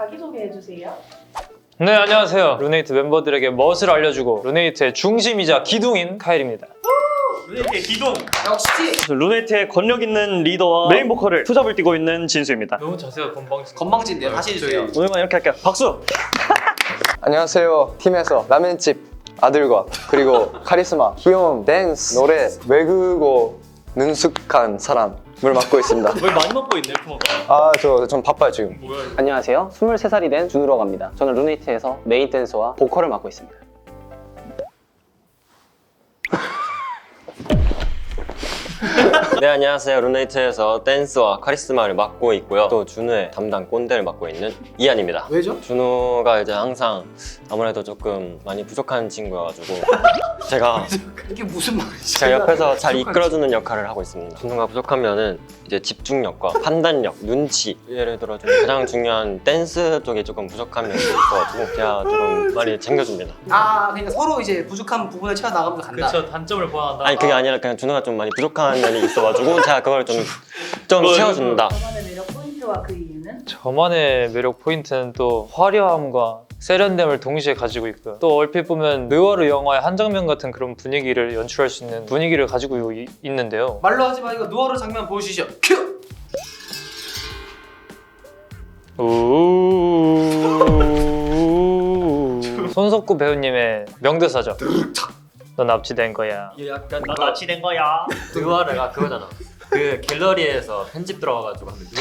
자기소개해주세요. 네, 안녕하세요. 루네이트 멤버들에게 멋을 알려주고 루네이트의 중심이자 기둥인 카일입니다. 루네이트의 기둥! 역시! 루네이트의 권력 있는 리더와 메인 보컬을 투잡을 뛰고 있는 진수입니다. 너무 자세가 건방진. 건방진데요. 다시 해주세요. 오늘만 이렇게 할게요. 박수! 안녕하세요. 팀에서 라멘집 아들과 그리고 카리스마, 귀여움, 댄스, 노래, 외국어 능숙한 사람을 맡고 있습니다. 왜 많이 먹고 있네, 부모가? 아, 전 바빠요 지금. 뭐야, 이거. 안녕하세요. 23살이 된 준우라고 합니다. 저는 루네이트에서 메인 댄서와 보컬을 맡고 있습니다. 네, 안녕하세요. 루네이트에서 댄스와 카리스마를 맡고 있고요. 또 준우의 담당 꼰대를 맡고 있는 이한입니다. 왜죠? 준우가 이제 항상 아무래도 조금 많이 부족한 친구여가지고 제가 이게 무슨 말이지? 제가 옆에서 잘 이끌어주는 역할을 하고 있습니다. 준우가 부족하면은 이제 집중력과 판단력, 눈치, 예를 들어 좀 가장 중요한 댄스 쪽에 조금 부족한 면이 있어가지고 제가 조금 많이 챙겨줍니다. 아, 그러니까 서로 이제 부족한 부분을 채워 나가면서 간다. 그렇죠. 단점을 보완한다. 아니 그게 아니라 그냥 준우가 좀 많이 부족한 면이 있어가지고 제가 그걸 좀 채워준다. 저만의 매력 포인트와 그 이유는? 저만의 매력 포인트는 또 화려함과 세련됨을 동시에 가지고 있고요. 또 얼핏 보면 느와르 영화의 한 장면 같은 그런 분위기를 연출할 수 있는 분위기를 가지고 있는데요. 말로 하지 마. 이거 누아르 장면 보여주시죠. 큐! 손석구 배우님의 명대사죠. 넌 납치된 거야. 약간 나 납치된 거야. 느와르가 그거잖아. 그 갤러리에서 편집 들어가가지고 하면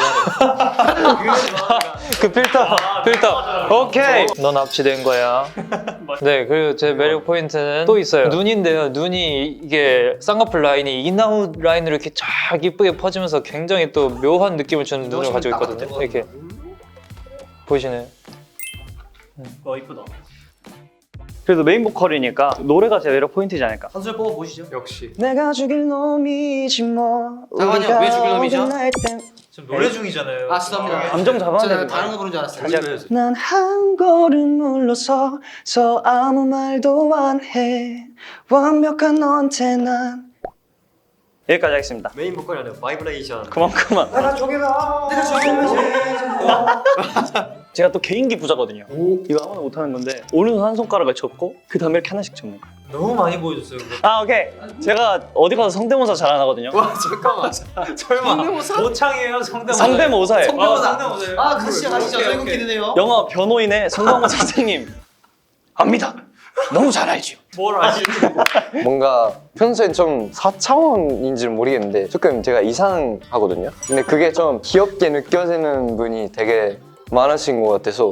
느와르. 그 필터. 오케이. 넌 납치된 거야. 네, 그리고 제 매력 포인트는 또 있어요. 눈인데요. 눈이 이게 쌍꺼풀 라인이 인아웃 라인으로 이렇게 쫙 이쁘게 퍼지면서 굉장히 또 묘한 느낌을 주는 눈을 가지고 있거든요. 이렇게 보이시나요? 이쁘다. 그래도 메인 보컬이니까 노래가 제 매력 포인트지 않을까? 한 소절 뽑아보시죠. 역시. 내가 죽일 놈이지 뭐. 잠깐만요. 왜 죽일 놈이죠? 지금 노래 중이잖아요. 아, 죄송합니다. 감정 잡아야 제가 되는데. 다른 거 부른 줄 알았어요. 난 한 걸음 물러서 아무 말도 안 해. 완벽한 너한테 난 여기까지 하겠습니다. 메인 보컬이 아니라 바이브레이션. 그만. 내가 저기다. 제가 또 개인기 부자거든요. 이거 아무나 못하는 건데 오른손 한 손가락을 접고 그 다음에 이렇게 하나씩 접는 거예요. 너무 많이 보여줬어요. 그거. 아, 오케이. 제가 어디 가서 성대모사 잘 안 하거든요. 와, 잠깐만. 설마 성대모사? 모창이에요? 성대모사? 성대모사예요. 성대모사. 아, 가시죠. 저희 웃기네요. 영화 변호인의 성광호 선생님 압니다. 너무 잘 알지요. 뭘 아시? 뭔가 평소엔 좀 4차원인지는 모르겠는데 조금 제가 이상하거든요. 근데 그게 좀 귀엽게 느껴지는 분이 되게 많으신 것 같아서.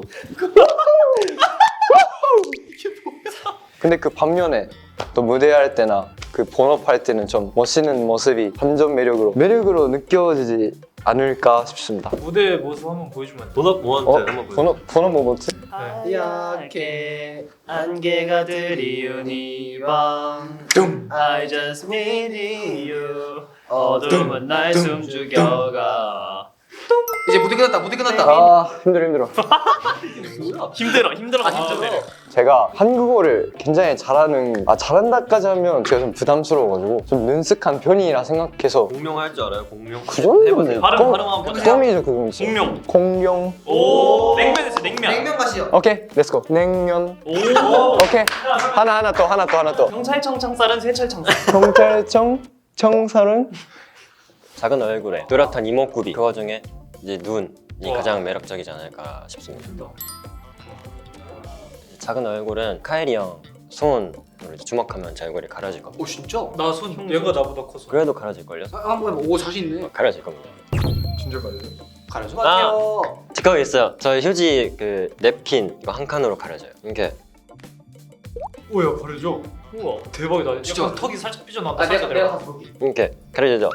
근데 그 반면에 또 무대할 때나 그 본업할 때는 좀 멋있는 모습이 반전 매력으로 느껴지지 않을까 싶습니다. 무대 모습 한번 보여주면 안 돼요? 본업 모먼트 한번 보여주세요. 본업 모먼트? 하얗게 안개가 드리운 이밤 I just need you 어둠은 날 숨죽여가 이제 무대 끝났다. 아, 힘들어. 힘들어. 제가 한국어를 굉장히 잘한다까지 하면 제가 좀 부담스러워가지고 좀 능숙한 편이라 생각해서 공명 할 줄 알아요? 공명? 그 정도는 발음 한번 보자. 껌이죠. 그거 있어요. 공명. 공룡. 오 냉면 됐어 냉면. 냉면 가시죠. 오케이, 렛츠고. 냉면. 오 오케이. 하나 더. 경찰청 창살은 세철청살. 경찰청 청설은 작은 얼굴에 뚜렷한 이목구비 그 와중에 이제 눈이 가장 매력적이지 않을까 싶습니다. 작은 얼굴은 카일이 형 손으로 이제 주먹하면 제 얼굴이 가려질 겁니다. 오, 진짜? 나 손 얘가 나보다 커서. 그래도 가려질걸요? 한번 해봐. 오, 자신 있네. 가려질 겁니다. 가려줘. 제 거기 있어요. 저 휴지 그 냅킨 이거 한 칸으로 가려져요. 이렇게 오야 가려져. 우와 대박이다. 진짜. 약간 턱이 살짝 삐져나왔다. 아, 살짝 내가 내려가. 가서 볼게. 이렇게 가려지죠?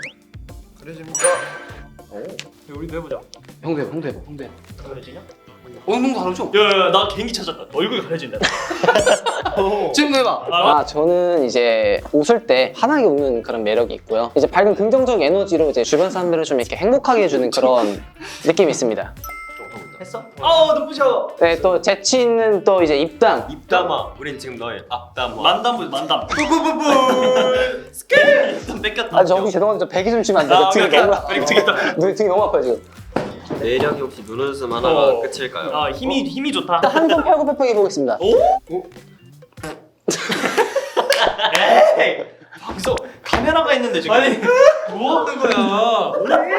우리도 해보자. 형도 해봐. 가려지냐? 너무 가려줘. 야야야 나 개인기 찾았다. 얼굴이 가려진다. 지금 해봐. 아, 저는 이제 웃을 때 환하게 웃는 그런 매력이 있고요. 이제 밝은 긍정적 에너지로 이제 주변 사람들을 좀 이렇게 행복하게 해주는 그런 느낌이 있습니다. 했어? 아우 눈부셔. 네, 또 재치 있는 또 이제 입담. 입담아. 우린 지금 너의 앞담아. 만담 보자 만담. 뿌뿌뿌뿌. 스케일. 뺏겼다. 아, 저기 죄송한데 저 배기 좀 치면 안 돼요? 등이 너무 되겠다. 등이 너무 아파요 지금. 매력이 혹시 눈웃음 하나가 끝일까요? 아 힘이 좋다. 한 손 펴고 펴펴기 보겠습니다. 에이 방송 카메라가 있는데 지금. 아니 뭐 하는 거야?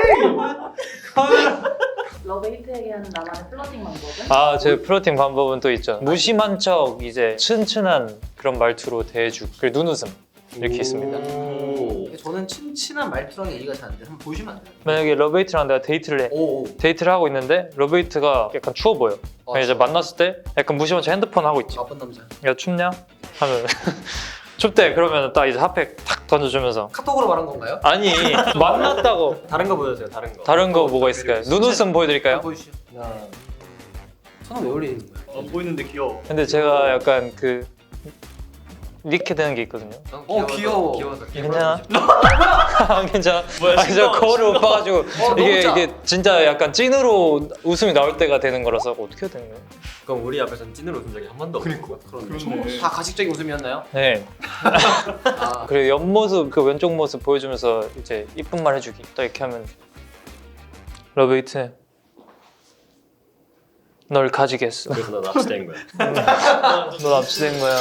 카메라. 러브히트에게 하는 나만의 플러팅 방법은? 아, 제 플러팅 방법은 또 있죠. 무심한 척 이제 튼튼한 그런 말투로 대해주고 그리고 눈웃음 이렇게 있습니다. 저는 친한 말투랑 얘기가 잘 안 돼. 한번 보시면 안 돼요? 만약에 러브웨이트랑 내가 데이트를 해. 오. 데이트를 하고 있는데 러브웨이트가 약간 추워 보여. 이제 만났을 때 약간 무심한 척 핸드폰 하고 있지. 나쁜 남자. 야 춥냐? 하면 춥대. 그러면 딱 이제 핫팩 탁 던져주면서 카톡으로 말한 건가요? 아니 만났다고. 다른 거 보여주세요. 다른 거. 다른 거 뭐가 있을까요? 눈웃음 보여드릴까요? 보여주시죠. 하나. 손은 왜 올리는 거야? 안 보이는데 귀여워. 근데 제가 약간 그 이렇게 되는 게 있거든요. 귀여워. 귀여워서. 괜찮아? 괜찮아? 뭐야, 아니 저 거울을 못 봐가지고 너무 짜. 이게 진짜 약간 찐으로 웃음이 나올 때가 되는 거라서 어떻게 해야 되는 거예요? 그럼 우리 앞에서는 찐으로 웃은 적이 한 번도 없고. 그렇네. 다 가식적인 웃음이었나요? 네. 아. 그리고 옆모습 그 왼쪽 모습 보여주면서 이제 이쁜 말 해주기. 딱 이렇게 하면 러브웨이트 널 가지겠어. 그래서 난 납치된 거야. 너 납치된 거야.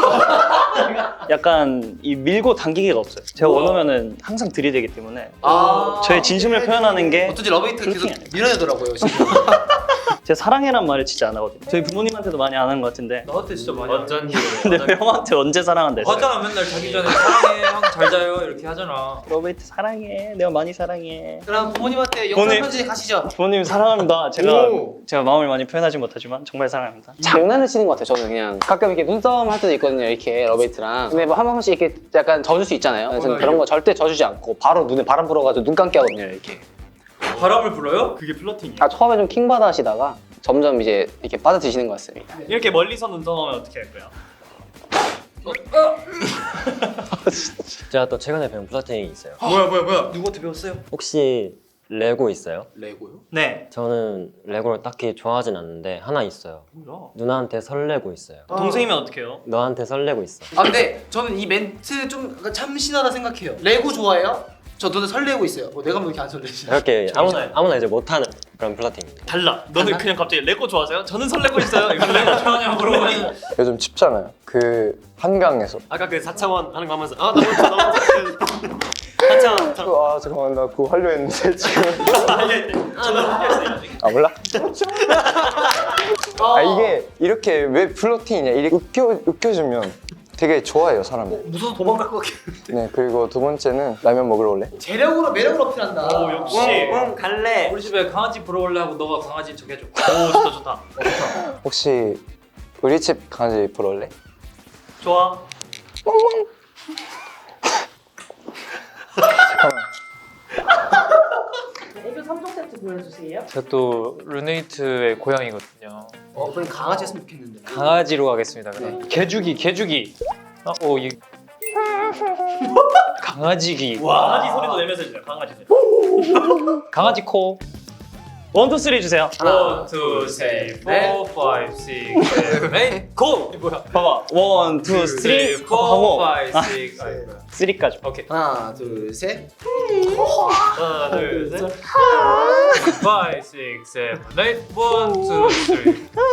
약간 이 밀고 당기기가 없어요. 제가 원하면은 항상 들이대기 때문에 아. 저의 진심을 표현하는 게 어쩐지 러브히트가 계속 플러팅이 밀어내더라고요. 진짜. 제 사랑해란 말을 진짜 안 하거든요. 저희 부모님한테도 많이 안 하는 것 같은데. 너한테 진짜 많이 완전 근데 형한테 언제 사랑한다 했어요? 하잖아. 맨날 자기 전에 사랑해 형 잘 자요 이렇게 하잖아. 러브이트 사랑해. 내가 많이 사랑해. 그럼 부모님한테 영상 부모님. 편지 가시죠. 부모님 사랑합니다. 오. 제가 마음을 많이 표현하지 못하지만 정말 사랑합니다. 장난을 치는 것 같아요. 저는 그냥 가끔 이렇게 눈싸움 할 때도 있거든요. 이렇게 러브히트랑. 근데 뭐 한 번씩 이렇게 약간 져줄 수 있잖아요. 저는 그런 거 절대 져주지 않고 바로 눈에 바람 불어가지고 눈 감게 하거든요. 이렇게. 바람을 불어요? 그게 플러팅이에요. 아 처음에 좀 킹받아 하시다가 점점 이제 이렇게 빠져드시는 것 같습니다. 이렇게 멀리서 눈싸움하면 어떻게 할 거야? 제가 또 최근에 배운 플러팅이 있어요. 뭐야? 누구한테 배웠어요? 혹시 레고 있어요? 레고요? 네. 저는 레고를 딱히 좋아하진 않는데 하나 있어요. 뭐야? 누나한테 설레고 있어요. 동생이면 어떡해요? 너한테 설레고 있어. 아 근데 저는 이 멘트 좀 약간 참신하다 생각해요. 레고 좋아해요? 저 너네 설레고 있어요. 내가 뭐 이렇게 안 설레지? 이렇게 아무나 이제 못하는 그런 플러팅입니다. 달라. 너는 그냥 갑자기 레고 좋아하세요? 저는 설레고 있어요. 이거 레고 좋아하냐고 물어보니 요즘 춥잖아요. 그 한강에서. 아까 그 4차원 하는 거 하면서 아 너무 좋다 너무 좋다. 4차원. 아 잠깐만 나 그거 하려 했는데 지금. 아 몰라? 아 이게 이렇게 왜 플러팅이냐 이렇게 웃겨주면 되게 좋아해요 사람이. 무서워 도망갈 것 같아. 네 그리고 두 번째는 라면 먹으러 올래? 재력으로 매력을 어필한다. 오 역시. 갈래. 우리 집에 강아지 보러 올래 하고 너가 강아지 척 해줘. 오 좋다. 혹시 우리 집 강아지 보러 올래? 좋아. 애교 3종 세트 보여주세요. 제가 또 르네이트의 고양이거든요. 그럼 강아지 했으면 좋겠는데. 강아지로 가겠습니다. 그럼. 개주기. 이 강아지기. 강아지 소리도 내면서 해주세요. 강아지 소리. 강아지 코. 1, 2, 3 주세요. 1, 2, 3, 4, 5, 6, 7, 8, 고! 이 뭐야? 봐봐. 1, 2, 3 하고 5, 6, 3까지. 오케이. 하나 둘 셋. 하나, 둘, 셋. 5, 6, 7, 8, 1, 2,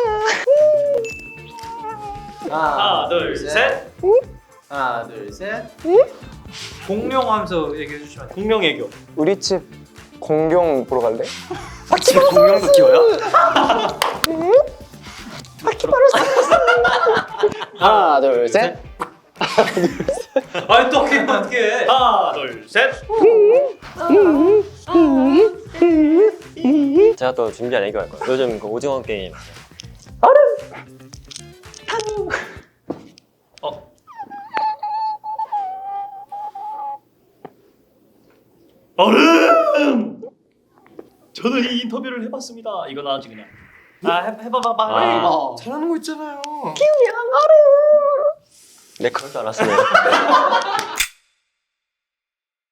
3. 하나, 둘, 셋. 하나 둘 셋. 공룡 하면서 얘기해 주시면 돼요. 공룡 애교. 우리 집 공룡 보러 갈래? 지금 공룡도 키워요? 하나 둘 셋. 아니 또 어떻게 하나, 둘, 셋. 제가 또 준비한 애교 할 거예요. 요즘 그 오징어 게임 얼음! 저는 이 인터뷰를 해봤습니다. 이건 아직 그냥. 해봐봐. 잘하는 거 있잖아요. 네 그럴 줄 알았어요.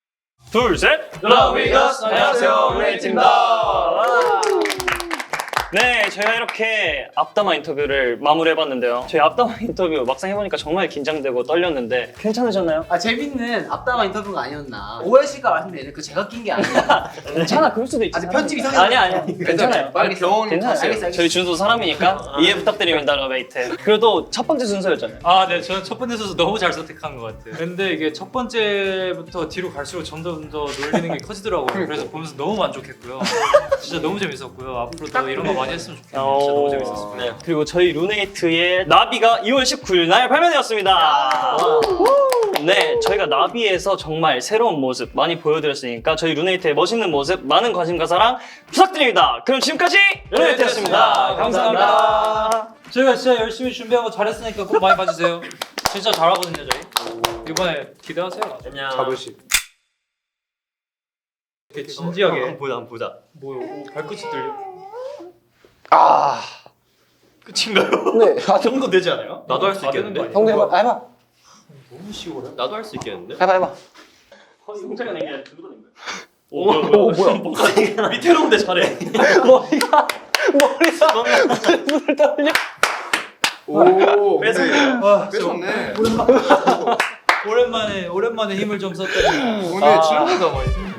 둘, 셋. 러브이거스 안녕하세요 르네이트입니다. 네, 저희가 이렇게 앞담화 인터뷰를 마무리해봤는데요. 저희 앞담화 인터뷰 막상 해보니까 정말 긴장되고 떨렸는데 괜찮으셨나요? 아 재밌는 앞담화 인터뷰가 아니었나. 오해 씨가 말씀드린 그 제가 낀 게 아니라. 괜찮아, 그럴 수도 있지. 아직 편집 이상해. 아니야. 괜찮아요. 빨리 병원 괜찮아요. 알겠어. 저희 준수 사람이니까 이해 부탁드립니다, 러베이트. 그래도 첫 번째 순서였잖아요. 아, 네, 저는 첫 번째 선수 너무 잘 선택한 것 같아요. 근데 이게 첫 번째부터 뒤로 갈수록 점점 더 놀리는 게 커지더라고요. 그래서 보면서 너무 만족했고요. 진짜 너무 재밌었고요. 앞으로도 이런 거 많이 했으면 좋겠네요. 진짜 너무 재밌었습니다. 네. 그리고 저희 루네이트의 나비가 2월 19일 날 발매되었습니다. 네, 저희가 나비에서 정말 새로운 모습 많이 보여드렸으니까 저희 루네이트의 멋있는 모습 많은 관심과 사랑 부탁드립니다. 그럼 지금까지 루네이트였습니다. 감사합니다. 저희가 진짜 열심히 준비하고 잘했으니까 꼭 많이 봐주세요. 진짜 잘하거든요, 저희. 이번에 기대하세요. 안녕. 자부심. 되게 진지하게. 한번 보자. 뭐요? 오, 발끝이 들려. 아. 끝인가요? 네. 아, 그 정도 되지 않아요? 나도 할 수 있겠는데? 형도 해봐. 해봐. 너무 쉬워요. 나도 할 수 있겠는데? 해봐. 성장한 게 아니라 누구도 낸 거야. 오, 뭐야? 밑에 놓은데 잘해. 머리가 물을 떨려. 오. 뺏었네요. 와, 뺏었네. 오랜만에 힘을 좀 썼더니 오늘 칠보다 많이.